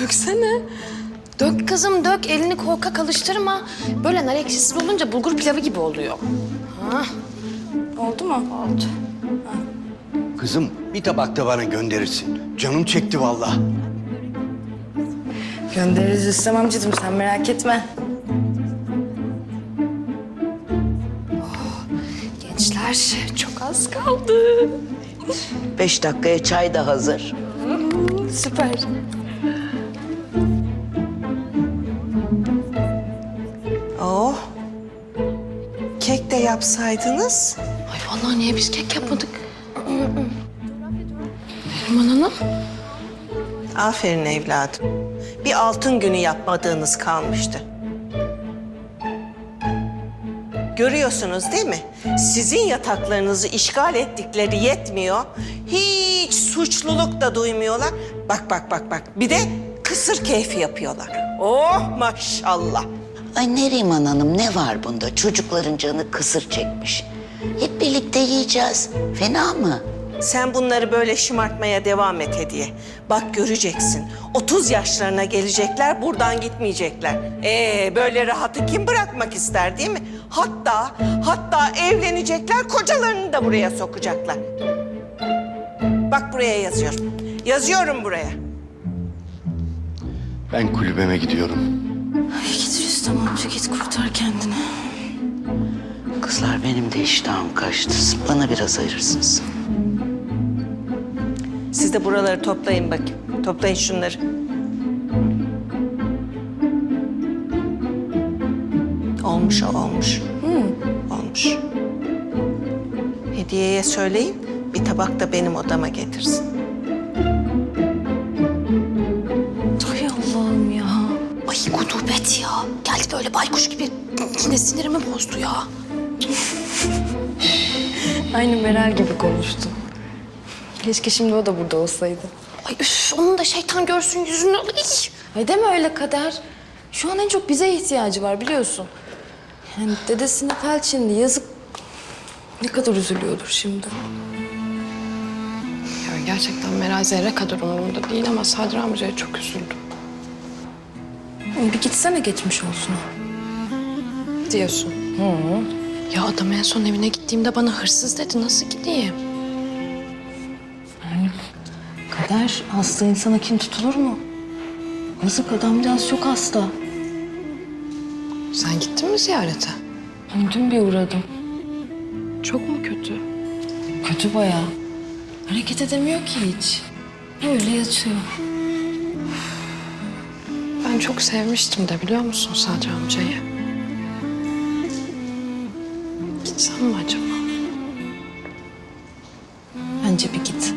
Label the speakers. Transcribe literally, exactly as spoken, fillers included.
Speaker 1: Döksene. Dök kızım dök. Elini korkak alıştırma. Böyle nar ekşisiz olunca bulgur pilavı gibi oluyor. Ha.
Speaker 2: Oldu mu?
Speaker 1: Oldu.
Speaker 3: Kızım bir tabak da bana gönderirsin. Canım çekti vallahi.
Speaker 2: Göndeririz Rüstem amcacığım, sen merak etme.
Speaker 1: Gençler çok az kaldı.
Speaker 4: Beş dakikaya çay da hazır.
Speaker 1: Süper.
Speaker 5: Oh. Kek de yapsaydınız.
Speaker 1: Ay vallahi niye biz kek yapmadık? Neriman Hanım.
Speaker 5: Aferin evladım. Bir altın günü yapmadığınız kalmıştı. Görüyorsunuz değil mi? Sizin yataklarınızı işgal ettikleri yetmiyor. Hiç suçluluk da duymuyorlar. Bak bak bak bak. Bir de kısır keyfi yapıyorlar. Oh maşallah.
Speaker 4: Ay Neriman Hanım, ne var bunda? Çocukların canı kısır çekmiş. Hep birlikte yiyeceğiz. Fena mı?
Speaker 5: Sen bunları böyle şımartmaya devam et Hediye. Bak göreceksin. otuz yaşlarına gelecekler, buradan gitmeyecekler. Ee, böyle rahatı kim bırakmak ister değil mi? Hatta, hatta evlenecekler, kocalarını da buraya sokacaklar. Bak buraya yazıyorum. Yazıyorum buraya.
Speaker 3: Ben kulübeme gidiyorum.
Speaker 2: Ay git Rüstem amca, git kurtar kendini.
Speaker 4: Kızlar, benim de iştahım kaçtı. Bana biraz ayırırsınız.
Speaker 5: Siz de buraları toplayın bakayım. Toplayın şunları. Olmuş o, olmuş. Olmuş. Hediye'ye söyleyin, bir tabak da benim odama getirsin.
Speaker 2: Ay Allah'ım ya.
Speaker 1: Ay gudubet ya. Geldi böyle baykuş gibi. Yine sinirimi bozdu ya.
Speaker 2: Aynı Meral gibi konuştu. Keşke şimdi o da burada olsaydı.
Speaker 1: Ay üf, onun da şeytan görsün yüzünü. Ay.
Speaker 2: Ay deme öyle Kader. Şu an en çok bize ihtiyacı var biliyorsun. Yani dedesine felç indi, yazık. Ne kadar üzülüyordur şimdi.
Speaker 1: Ya gerçekten Meral zerre kadar umurumda değil ama Sadri amcaya çok üzüldüm.
Speaker 2: Ay bir gitsene, geçmiş olsun.
Speaker 1: Diyorsun. Hı. Ya adam en son evine gittiğimde bana hırsız dedi. Nasıl gideyim?
Speaker 2: Kader, hasta insana kin tutulur mu? Yazık, adamcağız çok hasta.
Speaker 1: Sen gittin mi ziyarete?
Speaker 2: Dün bir uğradım.
Speaker 1: Çok mu kötü?
Speaker 2: Kötü bayağı. Hareket edemiyor ki hiç. Öyle yatıyor.
Speaker 1: Ben çok sevmiştim de biliyor musun Sadri amcayı? Gitsem mi acaba?
Speaker 2: Bence bir git.